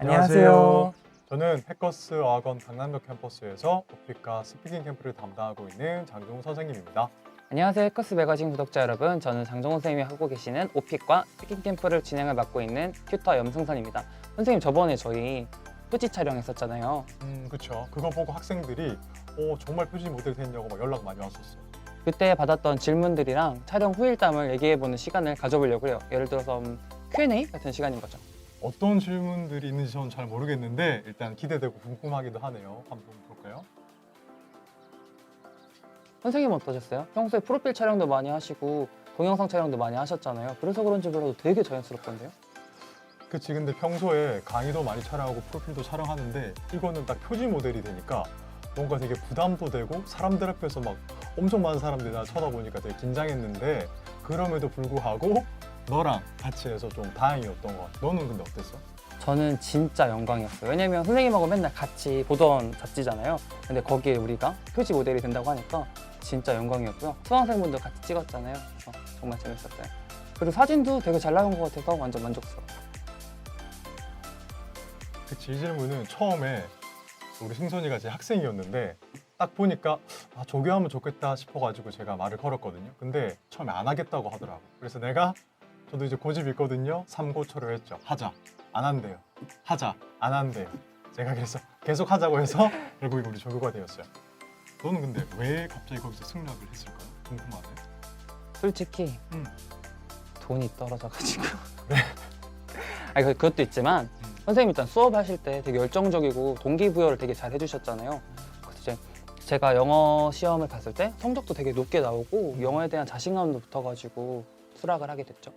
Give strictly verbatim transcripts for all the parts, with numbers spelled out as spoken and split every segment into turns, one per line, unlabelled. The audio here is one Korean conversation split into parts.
안녕하세요.
저는 해커스 어학원 강남역 캠퍼스에서 오픽과 스피킹 캠프를 담당하고 있는 장종우 선생님입니다.
안녕하세요. 해커스 매거진 구독자 여러분. 저는 장정호 선생님이 하고 계시는 오픽과 스피킹 캠프를 진행을 맡고 있는 튜터 염승선입니다. 선생님, 저번에 저희 표지 촬영했었잖아요.
음, 그쵸. 그거 보고 학생들이 오, 정말 표지 모델 됐냐고 막 연락 많이 왔었어요.
그때 받았던 질문들이랑 촬영 후일담을 얘기해보는 시간을 가져보려고 해요. 예를 들어서 음, 큐 앤 에이 같은 시간인 거죠.
어떤 질문들이 있는지 저는 잘 모르겠는데 일단 기대되고 궁금하기도 하네요. 한번 볼까요?
선생님은 어떠셨어요? 평소에 프로필 촬영도 많이 하시고 동영상 촬영도 많이 하셨잖아요. 그래서 그런지 몰라도 되게 자연스럽던데요?
그치. 근데 평소에 강의도 많이 촬영하고 프로필도 촬영하는데 이거는 딱 표지 모델이 되니까 뭔가 되게 부담도 되고 사람들 앞에서 막 엄청 많은 사람들이 나 쳐다보니까 되게 긴장했는데 그럼에도 불구하고 너랑 같이 해서 좀 다행이었던 것 같아. 너는 근데 어땠어?
저는 진짜 영광이었어요. 왜냐면 선생님하고 맨날 같이 보던 잡지잖아요. 근데 거기에 우리가 표지 모델이 된다고 하니까 진짜 영광이었고요. 수강생분들 같이 찍었잖아요. 그래서 정말 재밌었어요. 그리고 사진도 되게 잘 나온 것 같아서 완전 만족스러워요.
그치. 이 질문은 처음에 우리 승선이가 제 학생이었는데 딱 보니까 아, 조교하면 좋겠다 싶어가지고 제가 말을 걸었거든요. 근데 처음에 안 하겠다고 하더라고. 그래서 내가 저도 이제 고집이 있거든요. 삼고초려했죠. 하자. 안 한대요. 하자. 안 한대요. 제가 그래서 계속 하자고 해서 결국 우리 조교가 되었어요. 너는 근데 왜 갑자기 거기서 승낙을 했을까요? 궁금하네.
솔직히
음.
돈이 떨어져가지고.
그래?
아니, 그- 그것도 있지만
음.
선생님 일단 수업하실 때 되게 열정적이고 동기부여를 되게 잘 해주셨잖아요. 그래서 이제 제가 영어 시험을 봤을 때 성적도 되게 높게 나오고 영어에 대한 자신감도 붙어가지고 수락을 하게 됐죠.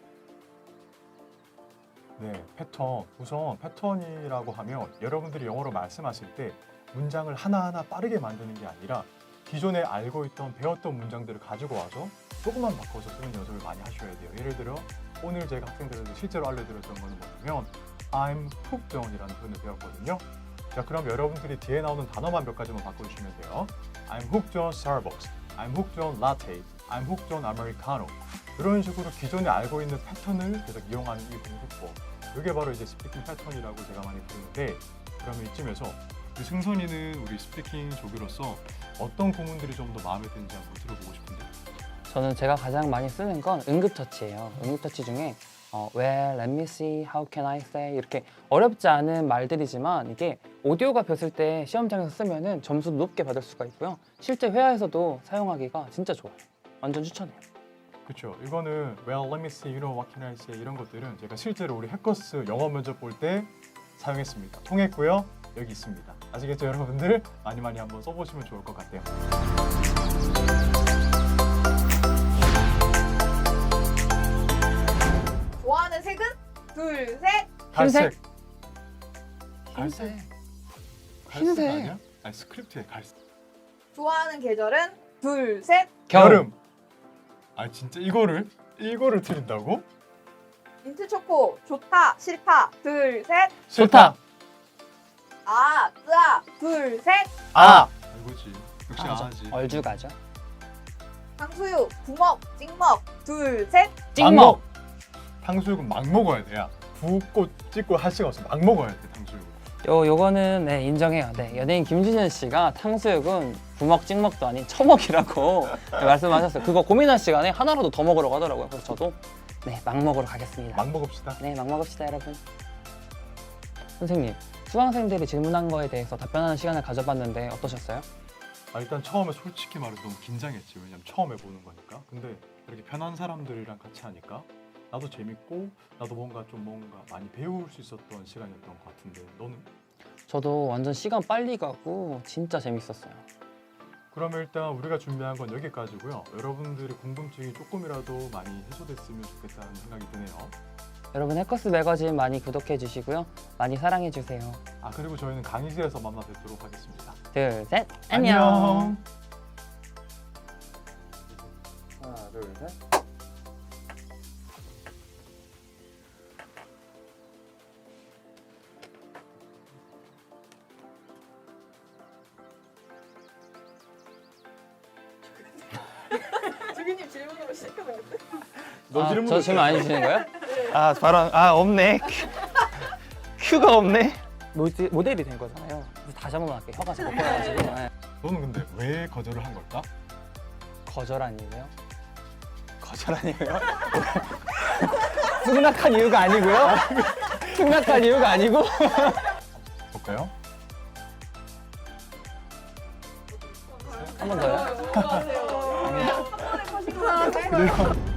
네, 패턴. 우선 패턴이라고 하면 여러분들이 영어로 말씀하실 때 문장을 하나하나 빠르게 만드는 게 아니라 기존에 알고 있던 배웠던 문장들을 가지고 와서 조금만 바꿔서 쓰는 연습을 많이 하셔야 돼요. 예를 들어 오늘 제가 학생들에게 실제로 알려드렸던 거는 뭐냐면 I'm hooked on이라는 표현을 배웠거든요. 자, 그럼 여러분들이 뒤에 나오는 단어만 몇 가지만 바꿔주시면 돼요. I'm hooked on Starbucks, I'm hooked on latte, I'm hooked on Americano. 이런 식으로 기존에 알고 있는 패턴을 계속 이용하는 이 공부법. 이게 바로 이제 스피킹 패턴이라고 제가 많이 부르는데, 그러면 이쯤에서 우리 승선이는 우리 스피킹 조교로서 어떤 구문들이 좀 더 마음에 드는지 한번 들어보고 싶은데.
저는 제가 가장 많이 쓰는 건 응급처치예요. 응급처치 중에 어, well, let me see, how can I say 이렇게 어렵지 않은 말들이지만 이게 오디오가 뵀을 때 시험장에서 쓰면은 점수도 높게 받을 수가 있고요. 실제 회화에서도 사용하기가 진짜 좋아요. 완전 추천해요.
그렇죠. 이거는 well, let me see, you know, what can I say 이런 것들은 제가 실제로 우리 해커스 영어 면접 볼 때 사용했습니다. 통했고요. 여기 있습니다. 아시겠죠, 여러분들? 많이 많이 한번 써보시면 좋을 것 같아요.
좋아하는 색은? 둘, 셋.
갈색.
흰색.
갈색?
흰색.
갈색
흰색.
아니야? 아니, 스크립트에 갈색.
좋아하는 계절은? 둘, 셋.
여름. 아, 진짜 이거를 이거를 틀린다고?
민트 초코. 좋다, 싫다. 둘, 셋.
좋다.
아, 뜨아. 둘, 셋.
아, 이거지. 역시
아죠.
아지.
얼죽아죠.
탕수육. 부먹, 찍먹. 둘, 셋.
찍먹.
탕수육은 막 먹어야 돼. 야, 붓고 찍고 할 시간 없어. 막 먹어야 돼, 탕수육.
요 요거는 네, 인정해요. 네, 연예인 김준현 씨가 탕수육은 부먹 찍먹도 아닌 처먹이라고 네, 말씀하셨어요. 그거 고민할 시간에 하나라도 더 먹으라고 하더라고요. 그래서 저도 네, 막 먹으러 가겠습니다.
막 먹읍시다.
네, 막 먹읍시다, 여러분. 선생님, 수강생들이 질문한 거에 대해서 답변하는 시간을 가져봤는데 어떠셨어요?
아, 일단 처음에 솔직히 말해서 너무 긴장했지. 왜냐면 처음 해보는 거니까. 근데 이렇게 편한 사람들이랑 같이 하니까 나도 재밌고 나도 뭔가 좀 뭔가 많이 배울 수 있었던 시간이었던 것 같은데 너는?
저도 완전 시간 빨리 가고 진짜 재밌었어요.
그러면 일단 우리가 준비한 건 여기까지고요. 여러분들의 궁금증이 조금이라도 많이 해소됐으면 좋겠다는 생각이 드네요.
여러분, 해커스 매거진 많이 구독해 주시고요. 많이 사랑해 주세요.
아, 그리고 저희는 강의실에서 만나 뵙도록 하겠습니다.
둘, 셋, 안녕.
하나, 둘, 셋.
주기님 질문으로 시작하면 돼.
너
아,
질문
저 질문 안 해주시는 거예요?
아 바로 아 없네.
휴가 없네. 모델, 모델이 된 거잖아요. 그래서 다시 한 번만 할게요. 혀가 자꾸 꼬여가지고. 네.
너는 근데 왜 거절을 한 걸까?
거절한 이유요? 거절한 이유요? 승낙한 이유가 아니고요. 승낙한 이유가 아니고.
볼까요?
한 번 더요?
아,
그래요.